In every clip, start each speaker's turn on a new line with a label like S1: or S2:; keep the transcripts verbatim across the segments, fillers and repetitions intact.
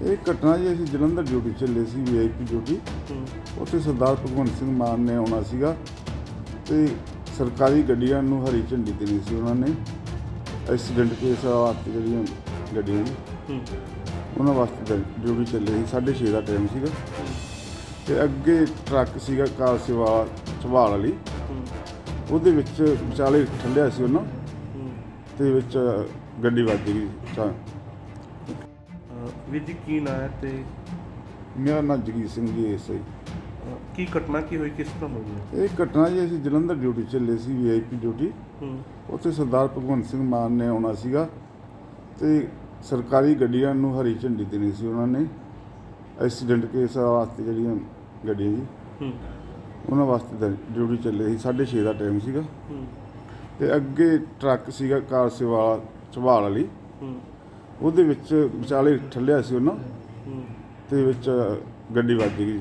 S1: ਇਹ ਘਟਨਾ ਜੀ ਅਸੀਂ ਜਲੰਧਰ ਡਿਊਟੀ ਚੱਲੇ ਸੀ, ਵੀ ਆਈ ਪੀ ਡਿਊਟੀ। ਉੱਥੇ ਸਰਦਾਰ ਭਗਵੰਤ ਸਿੰਘ ਮਾਨ ਨੇ ਆਉਣਾ ਸੀਗਾ ਅਤੇ ਸਰਕਾਰੀ ਗੱਡੀਆਂ ਨੂੰ ਹਰੀ ਝੰਡੀ ਦੇਣੀ ਸੀ ਉਹਨਾਂ ਨੇ। ਐਕਸੀਡੈਂਟ ਕੇਸ ਵਾਸਤੇ ਜਿਹੜੀਆਂ ਗੱਡੀਆਂ ਜੀ ਉਹਨਾਂ ਵਾਸਤੇ ਡਿਊਟੀ ਚੱਲੇ ਸੀ। ਸਾਢੇ ਛੇ ਦਾ ਟਾਈਮ ਸੀਗਾ ਅਤੇ ਅੱਗੇ ਟਰੱਕ ਸੀਗਾ ਕਾਰ ਸੇਵਾ ਸੰਭਾਲ ਵਾਲੀ, ਉਹਦੇ ਵਿੱਚ ਵਿਚਾਲੇ ਠੱਲਿਆ ਸੀ ਉਹਨਾਂ ਅਤੇ ਵਿੱਚ ਗੱਡੀ ਵੱਜ ਗਈ।
S2: ਵੀਰ ਜੀ ਕੀ ਨਾਂ ਹੈ ਤੇ
S1: ਮੇਰਾ ਨਾਮ ਜਗੀਰ ਸਿੰਘ ਜੀ ਐਸ ਆਈ।
S2: ਕੀ ਘਟਨਾ ਕੀ ਹੋਈ, ਕਿਸ ਤਰ੍ਹਾਂ ਹੋਈ ਹੈ?
S1: ਇਹ ਘਟਨਾ ਜੀ ਅਸੀਂ ਜਲੰਧਰ ਡਿਊਟੀ ਚੱਲੇ ਸੀ, ਵੀ ਆਈ ਪੀ ਡਿਊਟੀ। ਉੱਥੇ ਸਰਦਾਰ ਭਗਵੰਤ ਸਿੰਘ ਮਾਨ ਨੇ ਆਉਣਾ ਸੀਗਾ ਅਤੇ ਸਰਕਾਰੀ ਗੱਡੀਆਂ ਨੂੰ ਹਰੀ ਝੰਡੀ ਦੇਣੀ ਸੀ ਉਹਨਾਂ ਨੇ। ਐਕਸੀਡੈਂਟ ਕੇਸ ਵਾਸਤੇ ਜਿਹੜੀਆਂ ਗੱਡੀਆਂ ਜੀ ਉਹਨਾਂ ਵਾਸਤੇ ਡਿਊਟੀ ਚੱਲੇ ਸੀ। ਸਾਢੇ ਛੇ ਦਾ ਟਾਈਮ ਸੀਗਾ ਅਤੇ ਅੱਗੇ ਟਰੱਕ ਸੀਗਾ ਕਾਰ ਸੇਵਾ ਸੰਭਾਲ ਵਾਲੀ, ਉਹਦੇ ਵਿੱਚ ਵਿਚਾਲੇ ਠੱਲਿਆ ਸੀ ਉਹਨਾਂ ਅਤੇ ਵਿੱਚ ਗੱਡੀ ਵੱਜ ਗਈ।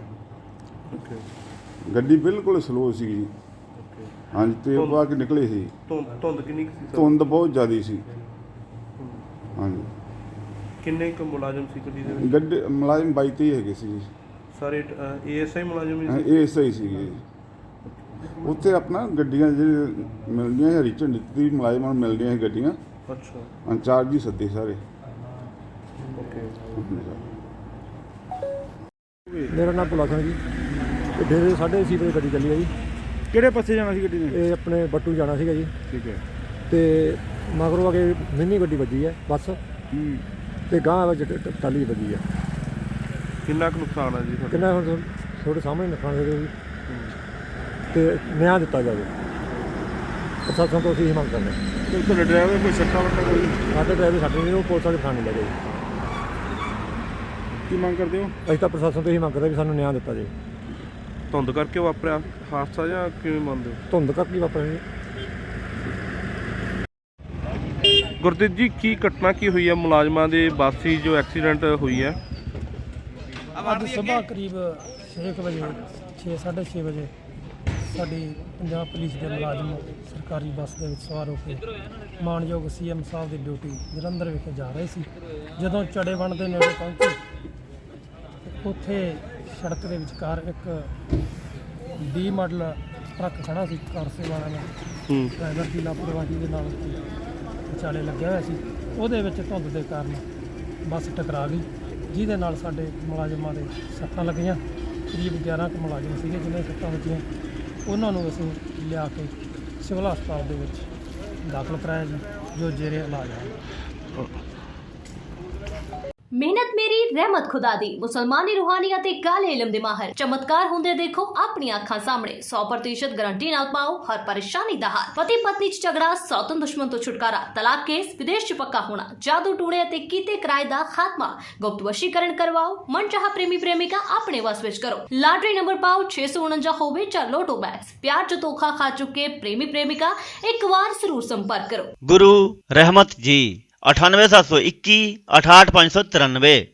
S1: ਗੱਡੀ ਬਿਲਕੁਲ ਸਲੋ ਸੀਗੀ ਹਾਂਜੀ, ਅਤੇ ਉਹ ਬਾਅਦ ਨਿਕਲੇ ਸੀ।
S2: ਧੁੰਦ ਕਿੰਨੀ ਕੁ ਸੀ?
S1: ਧੁੰਦ ਬਹੁਤ ਜ਼ਿਆਦਾ ਸੀ ਹਾਂਜੀ।
S2: ਕਿੰਨੇ ਕੁ ਮੁਲਾਜ਼ਮ ਸੀ ਗੱਡੀ ਦੇ ਵਿੱਚ?
S1: ਗੱਡੀ ਮੁਲਾਜ਼ਮ ਬਾਈ ਤੇਈ ਹੈਗੇ ਸੀ ਜੀ,
S2: ਸਾਰੇ ਏ ਐਸ ਆਈ ਮੁਲਾਜ਼ਮ ਹੀ ਸੀ?
S1: ਇਹ ਸਹੀ ਸੀਗੇ ਜੀ। ਉੱਥੇ ਆਪਣਾ ਗੱਡੀਆਂ ਜਿਹੜੀ ਮਿਲਦੀਆਂ ਹਰੀ ਝੰਡੀ ਦੀ ਮੁਲਾਜ਼ਮਾਂ ਨੂੰ ਮਿਲਦੀਆਂ ਸੀ ਗੱਡੀਆਂ।
S2: ਅੱਛਾ,
S1: ਇੰਚਾਰਜ ਹੀ ਸੱਦੇ ਸਾਰੇ।
S2: ਓਕੇ।
S3: ਮੇਰਾ ਨਾਮ ਭੁਲਾ ਸਿੰਘ ਜੀ। ਇਹ ਡੇਰੇ ਸਾਢੇ ਛੇ ਵਜੇ ਗੱਡੀ ਚੱਲੀ ਹੈ ਜੀ।
S4: ਕਿਹੜੇ ਪਾਸੇ ਜਾਣਾ ਸੀ ਗੱਡੀ ਨੇ?
S3: ਇਹ ਆਪਣੇ ਬੱਟੂ ਜਾਣਾ ਸੀਗਾ ਜੀ,
S4: ਠੀਕ ਹੈ।
S3: ਤੇ ਮਗਰੋਂ ਆ ਕੇ ਮਿੰਨੀ ਗੱਡੀ ਵੱਜੀ ਹੈ ਬੱਸ,
S4: ਹੂੰ।
S3: ਤੇ ਗਾਂਹ ਵਿੱਚ ਟ- ਟਾਲੀ ਵੱਜੀ ਹੈ।
S2: ਕਿੰਨਾ ਕੁ ਨੁਕਸਾਨ ਹੈ ਜੀ ਤੁਹਾਡਾ?
S3: ਕਿੰਨਾ ਹੁਣ ਤੁਹਾ- ਤੁਹਾਡੇ ਸਾਹਮਣੇ ਨੁਕਸਾਨ ਦੇ ਜੀ, ਤੇ ਨਿਆਂ ਦਿੱਤਾ ਜਾਵੇ। ਪ੍ਰਸ਼ਾਸਨ ਤੋਂ ਅਸੀਂ ਇਹ ਮੰਗ ਕਰਦੇ ਹਾਂ।
S4: ਤੇ ਤੁਹਾਡੇ ਡਰਾਈਵਰ ਕੋਈ ਸੱਟਾ ਵੱਟਾ ਕੋਈ?
S3: ਸਾਡੇ ਡਰਾਈਵਰ ਸਾਡੇ ਨਹੀਂ, ਉਹ ਪੁਲਿਸ ਵਾਲੇ ਥਾਣੇ ਲੈ ਗਏ ਜੀ।
S4: ਕੀ ਮੰਗ ਕਰਦੇ ਹੋ?
S3: ਅਸੀਂ ਤਾਂ ਪ੍ਰਸ਼ਾਸਨ ਤੋਂ ਇਹ ਮੰਗ ਕਰਦੇ ਵੀ ਸਾਨੂੰ ਨਿਆਂ ਦਿੱਤਾ ਜਾਵੇ।
S2: ਧੁੰਦ ਕਰਕੇ ਵਾਪਰਿਆ ਹਾਦਸਾ ਜਾਂ ਕਿਵੇਂ ਮੰਨਦੇ ਹੋ?
S3: ਧੁੰਦ ਕਰਕੇ ਵਾਪਰਿਆ ਜੀ।
S2: ਗੁਰਦੀਪ ਜੀ ਕੀ ਘਟਨਾ ਕੀ ਹੋਈ ਹੈ ਮੁਲਾਜ਼ਮਾਂ ਦੇ ਬੱਸ ਸੀ ਜੋ ਐਕਸੀਡੈਂਟ ਹੋਈ ਹੈ?
S5: ਅੱਜ ਸਵੇਰ ਕਰੀਬ ਛੇ ਕੁ ਵਜੇ ਛੇ ਸਾਢੇ ਛੇ ਵਜੇ ਸਾਡੀ ਪੰਜਾਬ ਪੁਲਿਸ ਦੇ ਮੁਲਾਜ਼ਮ ਸਰਕਾਰੀ ਬੱਸ ਦੇ ਵਿੱਚ ਸਵਾਰ ਹੋ ਕੇ ਮਾਣਯੋਗ ਸੀ ਐਮ ਸਾਹਿਬ ਦੀ ਡਿਊਟੀ ਜਲੰਧਰ ਵਿਖੇ ਜਾ ਰਹੇ ਸੀ। ਜਦੋਂ ਚੜੇਵਣ ਦੇ ਨੇੜੇ ਪਹੁੰਚੇ ਤੇ ਉੱਥੇ ਸੜਕ ਦੇ ਵਿਚਕਾਰ ਇੱਕ ਵੀਹ ਮਾਡਲ ਟਰੱਕ ਖੜਾ ਸੀ ਕਾਰ ਸੇਵਾ ਵਾਲਾ, ਡਰਾਈਵਰ ਦੀ ਲਾਪਰਵਾਹੀ ਦੇ ਨਾਲ ਵਿਚਾਲੇ ਲੱਗਿਆ ਹੋਇਆ ਸੀ। ਉਹਦੇ ਵਿੱਚ ਧੁੰਦ ਦੇ ਕਾਰਨ ਬੱਸ ਟਕਰਾ ਗਈ, ਜਿਹਦੇ ਨਾਲ ਸਾਡੇ ਮੁਲਾਜ਼ਮਾਂ ਦੇ ਸੱਟਾਂ ਲੱਗੀਆਂ। ਕਰੀਬ ਗਿਆਰਾਂ ਕੁ ਮੁਲਾਜ਼ਮ ਸੀਗੇ ਜਿਹਨਾਂ ਦੀਆਂ ਸੱਟਾਂ ਵੱਜੀਆਂ। ਉਹਨਾਂ ਨੂੰ ਅਸੀਂ ਲਿਆ ਕੇ ਸਿਵਲ ਹਸਪਤਾਲ ਦੇ ਵਿੱਚ ਦਾਖਲ ਕਰਾਇਆ ਜੀ, ਜੋ ਜੇਰੇ ਇਲਾਜ ਹੈ।
S6: ਮਿਹਨਤ ਮੇਰੀ ਰਹਿਮਤ ਖੁਦਾ ਦੀ। ਮੁਸਲਮਾਨੀ ਰੂਹਾਨੀਅਤ ਤੇ ਕਾਲੇ ਇਲਮ ਦੇ ਮਾਹਰ ਚਮਤਕਾਰ ਹੁੰਦੇ ਦੇਖੋ ਆਪਣੀ ਅੱਖਾਂ ਸਾਹਮਣੇ। ਸੌ ਪ੍ਰਤੀਸ਼ਤ ਗਾਰੰਟੀ ਨਾਲ ਪਾਓ ਹਰ ਪਰੇਸ਼ਾਨੀ ਦਾ ਹੱਲ। ਪਤੀ ਪਤਨੀ ਚ ਝਗੜਾ, ਸੌਤਨ ਦੁਸ਼ਮਣ ਤੋਂ ਛੁਟਕਾਰਾ, ਤਲਾਕ ਕੇਸ, ਵਿਦੇਸ਼ ਚ ਪੱਕਾ ਹੋਣਾ, ਜਾਦੂ ਟੂਣੇ ਅਤੇ ਕੀਤੇ ਕਿਰਾਏ ਦਾ ਖਾਤਮਾ, ਗੁਪਤ ਵਸ਼ੀਕਰਨ ਕਰਵਾਓ, ਮਨਚਾਹਾ ਪ੍ਰੇਮੀ ਪ੍ਰੇਮਿਕਾ ਆਪਣੇ ਵਸ ਵਿੱਚ ਕਰੋ। ਲਾਟਰੀ ਨੰਬਰ ਪਾਓ ਛੇ ਸੌ ਉਨੰਜਾ ਹੋਵੇ ਜਾਂ ਲੋਟੋ ਬੈਗਸ। ਪਿਆਰ ਚ ਧੋਖਾ ਖਾ ਚੁੱਕੇ ਪ੍ਰੇਮੀ ਪ੍ਰੇਮਿਕਾ ਇੱਕ ਵਾਰ ਜ਼ਰੂਰ ਸੰਪਰਕ ਕਰੋ।
S7: गुरु रहमत जी अठानवे सात सौ इक्की अठाठ पाँच सौ तिरानवे।